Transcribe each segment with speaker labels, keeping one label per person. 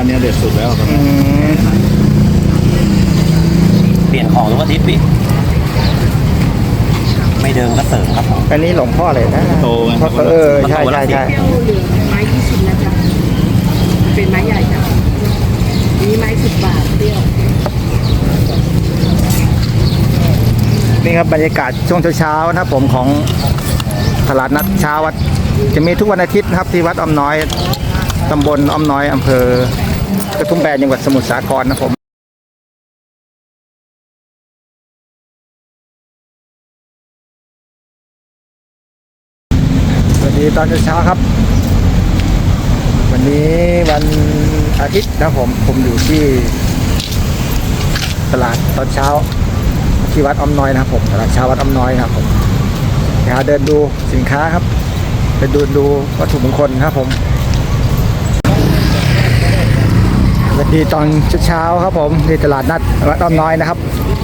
Speaker 1: นี้เด็ดสุดแล้วครับ
Speaker 2: เปลี่ยนของทุกอาทิตย์พี่ไม่เดิมก็เสริมครับผม
Speaker 3: อันนี้หลวงพ่อเลยนะ
Speaker 1: โตไง
Speaker 3: ใช่
Speaker 4: แก้วเหลืองไม้20นะจ๊ะเป็นไม้ใหญ่จ้ะนี้ไม้10 บาทเปรี้ยว
Speaker 3: นี่ครับบรรยากาศช่วงเช้าๆนะครับผมของตลาดนัดเช้าวัดจะมีทุกวันอาทิตย์นะครับที่วัดอ้อมน้อยตำบลอ้อมน้อยอำเภอกระทุ่มแบนจังหวัดสมุทรสาครนะผมสวัสดีตอนเช้าครับวันนี้วันอาทิตย์นะผมอยู่ที่ตลาดตอนเช้าที่วัดอ้อมน้อยนะครับผมตลาดเช้าวัดอ้อมน้อยนะครับผมเดินดูสินค้าครับไปดูวัตถุมงคลครับผมสวัสดีตอนเช้าครับผมที่ตลาดนัดวัดอ้อมน้อยนะครับ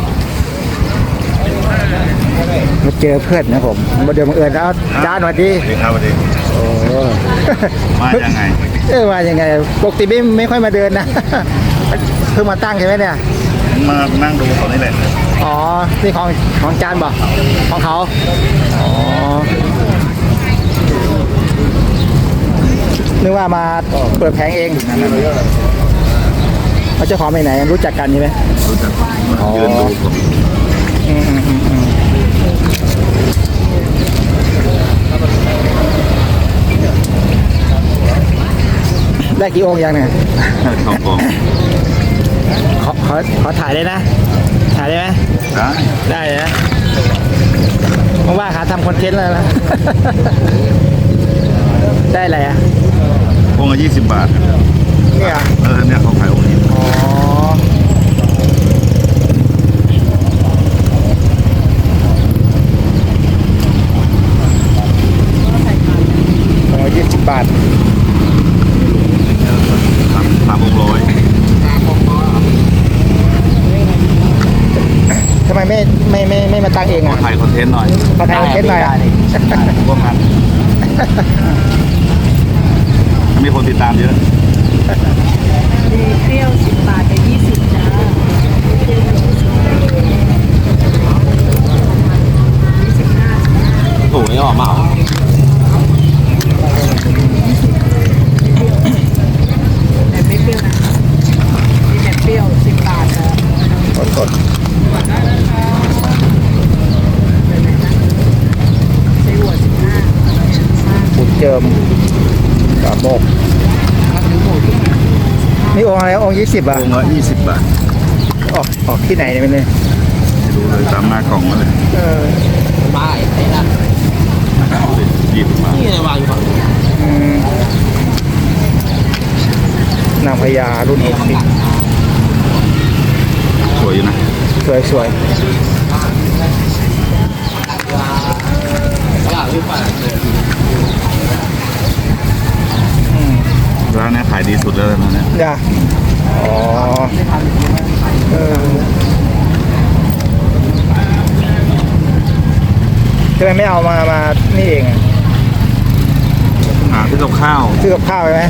Speaker 3: มาเจอเพื่อนนะผมมาเดินบังเอิญแล้วจ้าสวัสดี
Speaker 1: ครับสวัสดี
Speaker 3: โอ้
Speaker 1: มายังไง
Speaker 3: มายังไงปกติไม่ค่อยมาเดินนะเพิ่งมาตั้งใช่ไหมเนี่ย
Speaker 1: มานั่งดูเขานี่แหละ
Speaker 3: อ๋อนี่ของจานบ่ของเขาอ๋อนึกว่ามาเปิดแผงเองเขาเจ้าของไปไหนรู้จักกันใช่ไหม
Speaker 1: รู้จักยืนดู
Speaker 3: ได้กี่องค์ยังเนี่ย
Speaker 1: สองกอง
Speaker 3: ขอถ่ายได้นะถ่ายได้ไหมได้นะเพราะว่าหาทำคอนเทนต์แล้วนะได้อะไรอ่ะ
Speaker 1: องค์ละ20 บาท
Speaker 3: เนี่ย
Speaker 1: เนี่ยเขาขายองค์นี้
Speaker 3: อ๋อ20 บาท
Speaker 1: 3 องค์100
Speaker 3: ทำไมไม่มาตั้งเองอ่ะ
Speaker 1: ถ่ายคอนเทนต์หน่อย
Speaker 3: มาถ่ายคอนเทนต์หน่อย
Speaker 1: พวกนั้นมีคนติดตามเยอะ
Speaker 4: มีเปรี้ยว10 บาทกับ20จ้า
Speaker 2: ถูกนี่หรอมา
Speaker 4: แต่ไม่เปรี้ยวนะมีแต่เปรี้ยว10 บาทนะ
Speaker 3: สด
Speaker 4: ใช้หัว15
Speaker 3: บุญเจิมกระโมกนี่องค์อะไรองค์20 อ่ะ
Speaker 1: องค์ละ20 บาท
Speaker 3: ออกที่ไหนเนี่ยไม่รู้
Speaker 1: เลยตามหน้ากล่องมาเลย
Speaker 2: มาไอ้นั่น
Speaker 1: 20 บาท
Speaker 2: นี่วางอยู่ฝั่ง
Speaker 3: นางพญารุ่น60
Speaker 1: สวยอยู่นะ
Speaker 3: สวย
Speaker 1: ร้านนี้ขายดีสุดแล้วนะเนี่ย
Speaker 3: จ้ะอ๋อทำไมไม่เอามานี่เอง
Speaker 1: หาซื้อกับข้าว
Speaker 3: ใช่ไหม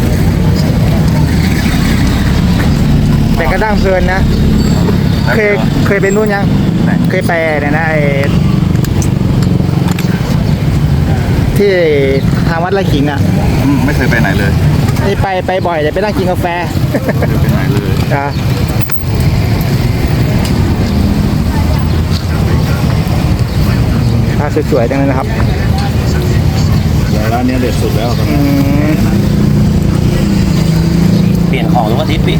Speaker 3: แต่กระด้างเพลินนะเคยไปนู่นยังเคยไปเนี่ยนะที่ทางวัดไร่ขิงอ่ะ
Speaker 1: ไม่เคยไปไหนเลย
Speaker 3: นี่ไปบ่อยแต่ไปนั่งกินกาแฟ
Speaker 1: ไปไหนเลย
Speaker 3: จ้ะถ้าสวยๆจังเลยนะครับ
Speaker 1: ร้านนี้เด็ดสุดแล้วครับ
Speaker 2: เปลี่ยนของทุกอาทิตย์พี่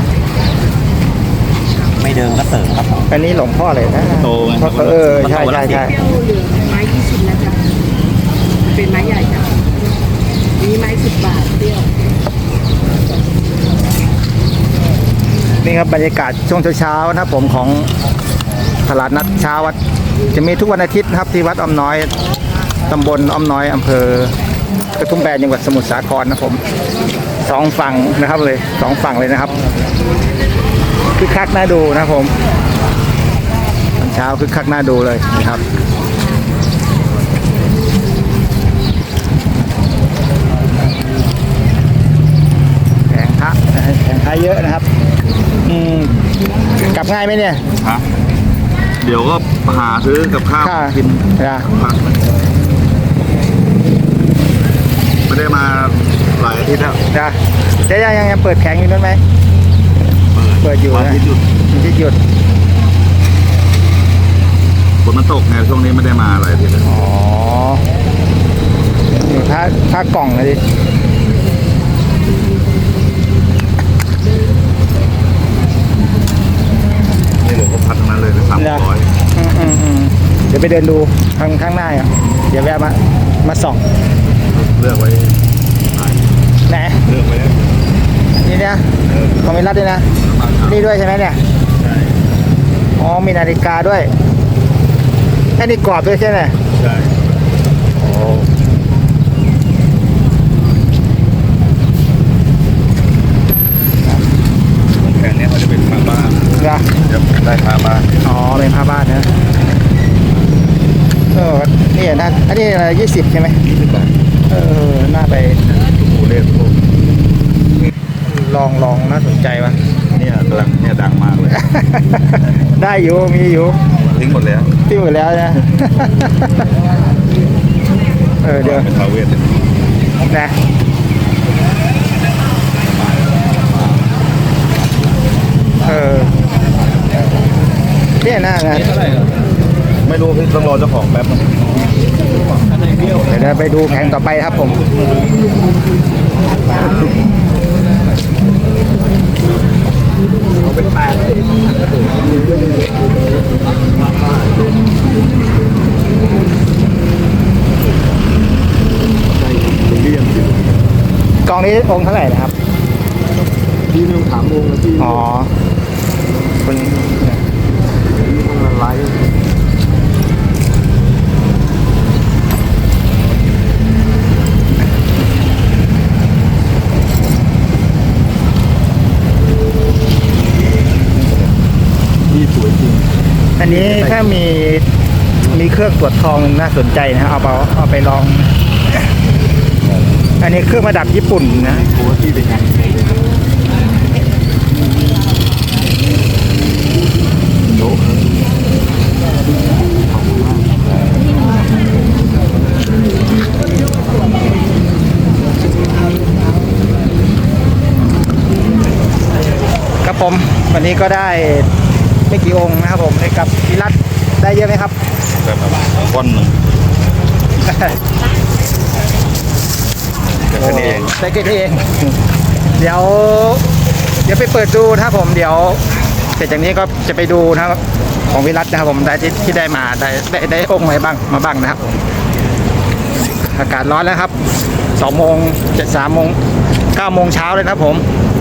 Speaker 2: ไม่เดิมก็เสริมครับผม
Speaker 3: อันนี้หลวงพ่อเลยนะ
Speaker 1: โตไง
Speaker 3: ใช่
Speaker 4: แก้วเหลืองไม้20นะจ๊ะเป็นไม้ใหญ่จ้ะนี้ไม้10 บาทเปรี้ยว
Speaker 3: นี่ครับบรรยากาศช่วงเช้าๆนะครับผมของตลาดนัดเช้าวัดจะมีทุกวันอาทิตย์นะครับที่วัดอ้อมน้อยตำบลอ้อมน้อยอำเภอกระทุ่มแบนจังหวัดสมุทรสาครนะผม2 ฝั่งนะครับเลย2 ฝั่งเลยนะครับคึกคักน่าดูนะผมตอนเช้าคึกคักน่าดูเลยนะครับแผงพระค้าเยอะนะครับกลับง่ายไหมเนี่ย
Speaker 1: ฮะเดี๋ยวก็หาซื้อกับข้าว
Speaker 3: ค่ะ
Speaker 1: กิน
Speaker 3: นะ
Speaker 1: พักไม่ได้มาหลายอาทิตย์แล้ว
Speaker 3: นะเจ๊ยังเปิดแข็งอยู่นั่นไหม เปิดอยู่
Speaker 1: วัน
Speaker 3: นะ
Speaker 1: อาทิตย์หยุด
Speaker 3: มีที่หยุด
Speaker 1: ฝนมันตกไงช่วงนี้ไม่ได้มาหลายอาทิตย์แล้ว
Speaker 3: อ๋อนี่ผ้ากล่องเลยดิ
Speaker 1: นี่หลวงพ่อพัดทั้งนั้นเลยนะ300
Speaker 3: เดี๋ยวไปเดินดูข้างหน้าอ่ะเดี๋ยวแวะมาส่อง
Speaker 1: เลือกไว้
Speaker 3: ไหน
Speaker 1: เลือกไว้
Speaker 3: นี่เนี่ยของมิรัตด้วยนะ นี่ด้วยใช่ไหมเนี่ย
Speaker 1: ใช่
Speaker 3: อ๋อมีนาฬิกาด้วยไอ้นี่กรอบด้วยใช่ไหม
Speaker 1: ใช่
Speaker 3: โอ้
Speaker 1: แผงนี้เขาจะเป็นผ้าบ้าน
Speaker 3: นะ
Speaker 1: จะได้ผ้าบ้าน
Speaker 3: อ๋อเป็นผ้าบ้านนะนี่นะอันนี้อะไร20ใช่ไหม
Speaker 1: 20 บาท
Speaker 3: น่าไป
Speaker 1: โอเล่ทุกคน
Speaker 3: ลองน่าสนใจวะ
Speaker 1: เนี่ยกำลังเนี่ยดังมากเลย
Speaker 3: ได้อยู่มีอยู่
Speaker 1: ทิ้งหมดแล้ว
Speaker 3: ที่หมดแล้วนะ เดี๋ยว
Speaker 1: เป็นทาวเวสเลย
Speaker 3: นะเนี่ยหน้างาน
Speaker 1: ไม่รู้พี่ต้องรอเจ้าของแป๊บนึง
Speaker 3: เดี๋ยวเราไปดูแผงต่อไปครับผมกล่องนี้องค์เท่าไหร่นะครับ
Speaker 1: พี่ไม่ต้องถามวงนะพี่
Speaker 3: อ๋อคุณ
Speaker 1: ไลฟ์ นี่สวยจริง
Speaker 3: อันนี้ถ้ามีเครื่องตรวจทองน่าสนใจนะเอาไปลอง อันนี้เครื่องประดับญี่ปุ่นนะ
Speaker 1: โอ้ที่เป็นยังโต๊ะ
Speaker 3: ครับผมวันนี้ก็ได้ไม่กี่องค์นะครับผมให้กับพิรัตได้เยอะไหมครับ
Speaker 1: แบบก้อนหนึ่งแต่แค่นี้เอง
Speaker 3: ได้แค่นี้เอง เดี๋ยวไปเปิดดูนะครับผมเดี๋ยวเสร็จจากนี้ก็จะไปดูนะครับของวิรัตนะครับผมได้ที่ได้มาได้องค์อะไรบ้างมาบ้างนะครับอากาศร้อนแล้วครับ2 โมง3 โมง 9 โมงเช้าเลยนะครับผม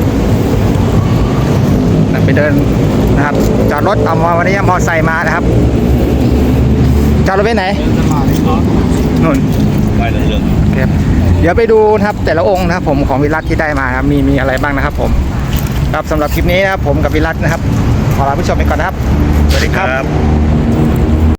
Speaker 3: ไปเดินนะครับจอดรถเอามาวันนี้มอไซค์มานะครับจอดรถไปไหนนู่น
Speaker 1: ไม่เรื่อง
Speaker 3: ครับเดี๋ยวไปดูนะครับแต่ละองค์นะครับผมของวิรัตที่ได้มาครับมีอะไรบ้างนะครับผมครับสำหรับคลิปนี้นะครับผมกับวิรัตนะครับขอลาผู้ชมไปก่อนนะครับสวัสดีครับ